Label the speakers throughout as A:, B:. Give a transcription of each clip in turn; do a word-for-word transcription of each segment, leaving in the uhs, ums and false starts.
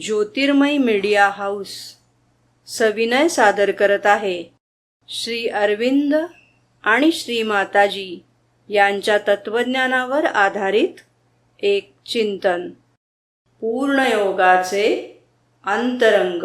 A: ज्योतिर्मय media house सविनय सादर करत आहे श्री अरविंद आणि श्री माताजी यांच्या तत्वज्ञानावर आधारित एक चिंतन. पूर्णयोगाचे अंतरंग.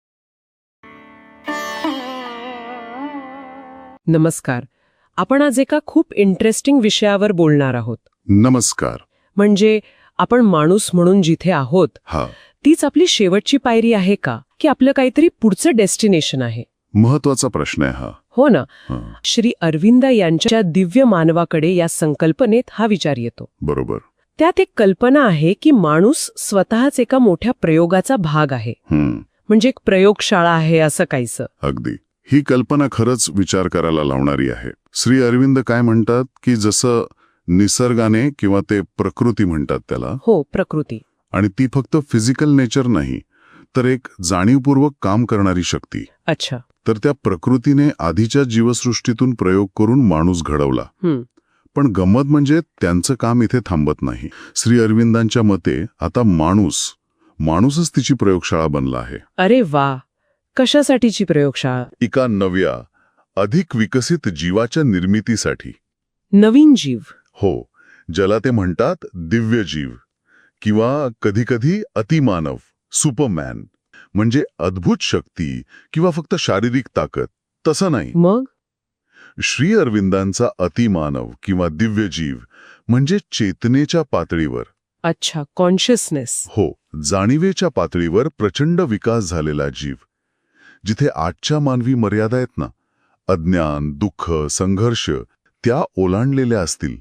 B: नमस्कार. आपण आज एका खूप इंटरेस्टिंग विषयावर बोलणार आहोत.
C: नमस्कार.
B: म्हणजे आपण माणूस म्हणून जिथे आहोत
C: हा
B: तीच आपली शेवटची पायरी आहे का, की आपलं काहीतरी पुढचं डेस्टिनेशन आहे?
C: महत्वाचा प्रश्न आहे हा.
B: हो ना.
C: हा,
B: श्री अरविंद यांच्या दिव्य मानवाकडे या संकल्पनेत हा विचार येतो.
C: बरोबर.
B: त्यात एक कल्पना आहे की माणूस स्वतःच एका मोठ्या प्रयोगाचा भाग आहे.
C: हम्म,
B: म्हणजे एक प्रयोगशाळा आहे असं काहीसं.
C: अगदी. ही कल्पना खरंच विचार करायला लावणारी आहे. श्री अरविंद काय म्हणतात की जसं निसर्गाने किंवा ते प्रकृती म्हणतात त्याला,
B: हो, प्रकृती.
C: आणि ती फक्त फिजिकल नेचर नाही तर एक जाणीवपूर्वक काम करणारी शक्ती.
B: अच्छा.
C: तर त्या प्रकृतीने आधीच्या जीवसृष्टीतून प्रयोग करून माणूस घडवला.
B: हम्म.
C: पण गंमत म्हणजे त्यांचं काम इथे थांबत नाही. श्री अरविंदांच्या मते आता माणूस माणूसच तिची प्रयोगशाळा बनला आहे.
B: अरे वा. कशासाठीची प्रयोगशाळा?
C: एका नव्या अधिक विकसित जीवाच्या निर्मितीसाठी.
B: नवीन जीव?
C: हो, ज्याला ते म्हणतात दिव्य जीव किंवा कधीकधी अतिमानव, सुपरमॅन. म्हणजे अद्भुत शक्ती किंवा फक्त शारीरिक ताकद, तसं नाही.
B: मग
C: श्री अरविंदांचा अतिमानव किंवा दिव्य जीव म्हणजे चेतनेच्या पातळीवर.
B: अच्छा, कॉन्शियसनेस.
C: हो, जाणीवेच्या पातळीवर प्रचंड विकास झालेला जीव. जिथे आजच्या मानवी मर्यादा आहेत ना, अज्ञान, दुःख, संघर्ष, त्या ओलांडलेल्या असतील.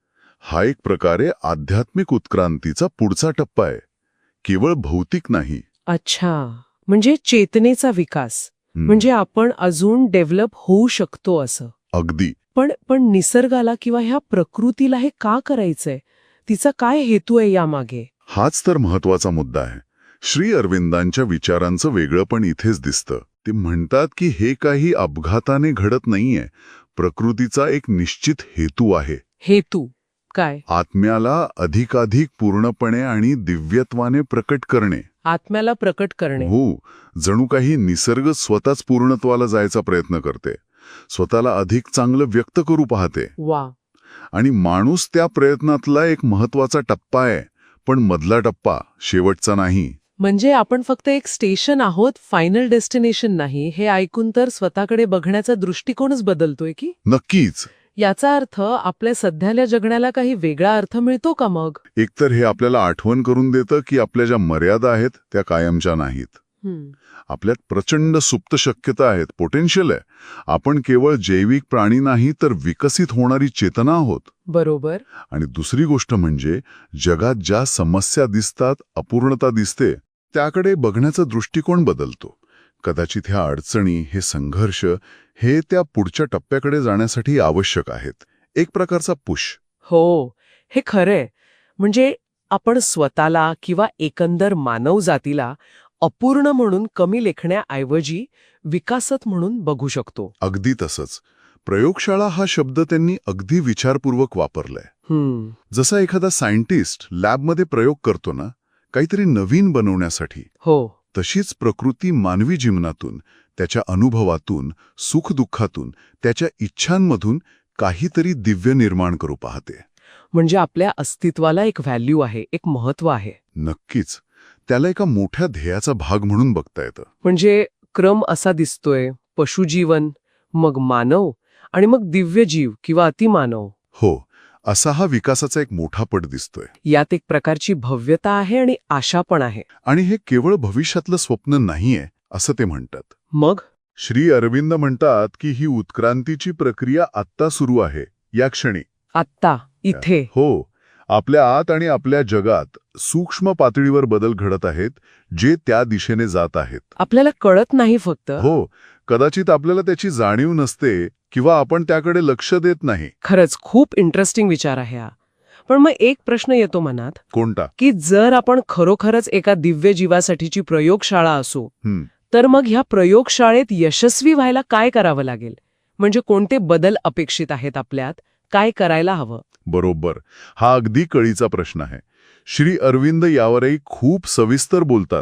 C: हा एक प्रकारे आध्यात्मिक उत्क्रांतीचा पुढचा टप्पा आहे, केवळ भौतिक नाही.
B: अच्छा, म्हणजे चेतनेचा विकास.
C: हं,
B: म्हणजे आपण अजून डेव्हलप होऊ शकतो असं.
C: अगदी.
B: पण पण निसर्गाला किंवा ह्या प्रकृतीला हे का करायचंय? तिचा काय हेतू आहे यामागे?
C: हाच तर महत्वाचा मुद्दा आहे. श्री अरविंदांच्या विचारांचं वेगळं पण इथेच दिसतं. ते म्हणतात की हे काही अपघाताने घडत नाहीये. प्रकृतीचा एक निश्चित हेतू आहे.
B: हेतू काय?
C: आत्म्याला अधिकाधिक पूर्णपणे आणि दिव्यत्वाने प्रकट करणे.
B: आत्म्याला प्रकट करणे.
C: हो, जणू काही निसर्ग स्वतःच पूर्णत्वाला जायचा प्रयत्न करते, स्वतःला अधिक चांगलं व्यक्त करू पाहते.
B: वा.
C: आणि माणूस त्या प्रयत्नातला एक महत्वाचा टप्पा आहे, पण मधला टप्पा, शेवटचा नाही.
B: म्हणजे आपण फक्त एक स्टेशन आहोत, फायनल डेस्टिनेशन नाही. हे ऐकून तर स्वतःकडे बघण्याचा दृष्टिकोनच बदलतोय की?
C: नक्कीच.
B: याचा अर्थ आपल्या सध्याल्या जगण्याला काही वेगळा अर्थ मिळतो का मग?
C: एकतर हे आपल्याला आठवण करून देतं की आपल्या ज्या मर्यादा आहेत त्या कायमच्या नाहीत.
B: हम्म.
C: आपल्यात प्रचंड सुप्त शक्यता आहेत, पोटेन्शियल आहे. आपण केवळ जैविक प्राणी नाही तर विकसित होणारी चेतना आहोत.
B: बरोबर.
C: आणि दुसरी गोष्ट म्हणजे जगात ज्या समस्या दिसतात, अपूर्णता दिसते, त्याकडे बघण्याचा दृष्टिकोन बदलतो. कदाचित ह्या अडचणी, हे संघर्ष, हे त्या पुढच्या टप्प्याकडे जाण्यासाठी आवश्यक आहेत. एक प्रकारचा पुश.
B: हो, हे खरंय. म्हणजे आपण स्वतःला किंवा एकंदर मानव जातीला अपूर्ण म्हणून कमी लेखण्याऐवजी विकासत म्हणून बघू शकतो.
C: अगदी तसंच. प्रयोगशाळा हा शब्द त्यांनी अगदी विचारपूर्वक वापरलाय.
B: हम्म.
C: जसा एखादा सायंटिस्ट लॅबमध्ये प्रयोग करतो ना, काहीतरी नवीन बनवण्यासाठी,
B: हो.
C: तशीच प्रकृती मानवी जीवनातून, त्याच्या अनुभवातून, सुखदुःखातून, त्याच्या इच्छांमधून काहीतरी दिव्य निर्माण करू पाहते.
B: म्हणजे आपल्या अस्तित्वाला एक व्हॅल्यू आहे, एक महत्व आहे.
C: नक्कीच. त्याला एका मोठ्या ध्येयाचा भाग म्हणून बघता येतं.
B: म्हणजे क्रम असा दिसतोय: पशुजीवन, मग मानव, आणि मग दिव्य जीव किंवा अतिमानव.
C: हो, असा हा विकासाचा एक मोठा पट दिसतोय.
B: यात एक प्रकारची भव्यता आहे आणि आशा पण आहे.
C: आणि हे केवळ भविष्यातलं स्वप्न नाहीये असं ते म्हणतात.
B: मग
C: श्री अरविंद म्हणतात की ही उत्क्रांतीची प्रक्रिया आत्ता सुरू आहे, या क्षणी.
B: आत्ता, इथे.
C: हो, आपल्या आत आणि आपल्या जगात सूक्ष्म पातळीवर बदल घडत आहेत, जे त्या दिशेने जात आहेत.
B: आपल्याला कळत नाही फक्त.
C: हो, कदाचित आपल्याला त्याची जाणीव नसते किंवा आपण त्याकडे लक्ष देत नाही.
B: खरंच खूप इंटरेस्टिंग विचार आहे हा. पण मग एक प्रश्न येतो मनात,
C: कोणता?
B: की जर आपण खरोखरच एका दिव्य जीवासाठीची प्रयोगशाळा असू,
C: हं,
B: तर मग ह्या प्रयोगशाळेत यशस्वी व्हायला काय करावं लागेल? म्हणजे कोणते बदल अपेक्षित आहेत आपल्यात? काय करायला हवं?
C: बरोबर. हा अगदी कळीचा प्रश्न आहे. श्री अरविंद यावरही खूप सविस्तर बोलतात.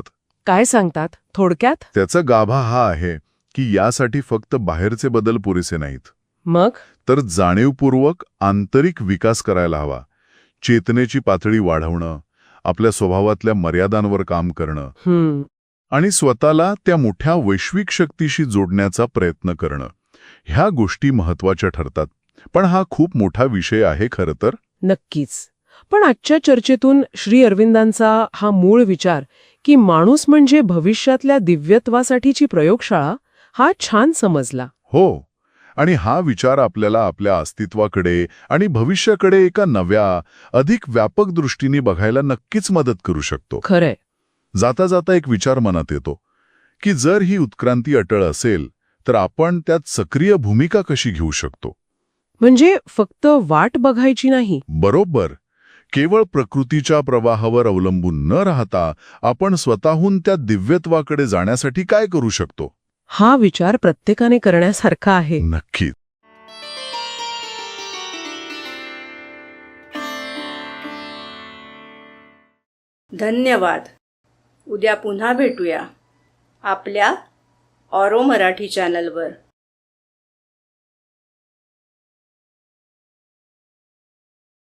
B: काय सांगतात थोडक्यात?
C: त्याचा गाभा हा आहे की यासाठी फक्त बाहेरचे बदल पुरेसे नाहीत,
B: मग
C: तर जाणीवपूर्वक आंतरिक विकास करायला हवा. चेतनेची पातळी वाढवणं, आपल्या स्वभावातल्या मर्यादांवर काम करणं
B: हम्म
C: आणि स्वतःला त्या मोठ्या वैश्विक शक्तीशी जोडण्याचा प्रयत्न करणं, ह्या गोष्टी महत्वाच्या ठरतात. पण हा खूप मोठा विषय आहे खरं तर.
B: नक्कीच. पण आजच्या चर्चेतून श्री अरविंदांचा हा मूळ विचार की माणूस म्हणजे भविष्यातल्या दिव्यत्वासाठीची प्रयोगशाळा, हा छान समजला.
C: हो, आणि हा विचार आपल्याला आपल्या अस्तित्वाकडे आणि भविष्याकडे एका नव्या, अधिक व्यापक दृष्टीने बघायला नक्कीच मदत करू शकतो.
B: खरंय.
C: जाता जाता एक विचार मनात येतो की जर ही उत्क्रांती अटळ असेल तर आपण त्यात सक्रिय भूमिका कशी घेऊ शकतो.
B: म्हणजे फक्त वाट बघायची नाही.
C: बरोबर. केवळ प्रकृतीच्या प्रवाहावर अवलंबून न राहता आपण स्वतःहून त्या दिव्यत्वाकडे जाण्यासाठी काय करू शकतो.
B: हा विचार प्रत्येकाने करण्यासारखा आहे.
C: नक्कीच.
A: धन्यवाद. उद्या पुन्हा भेटूया आपल्या ऑरो मराठी चॅनलवर.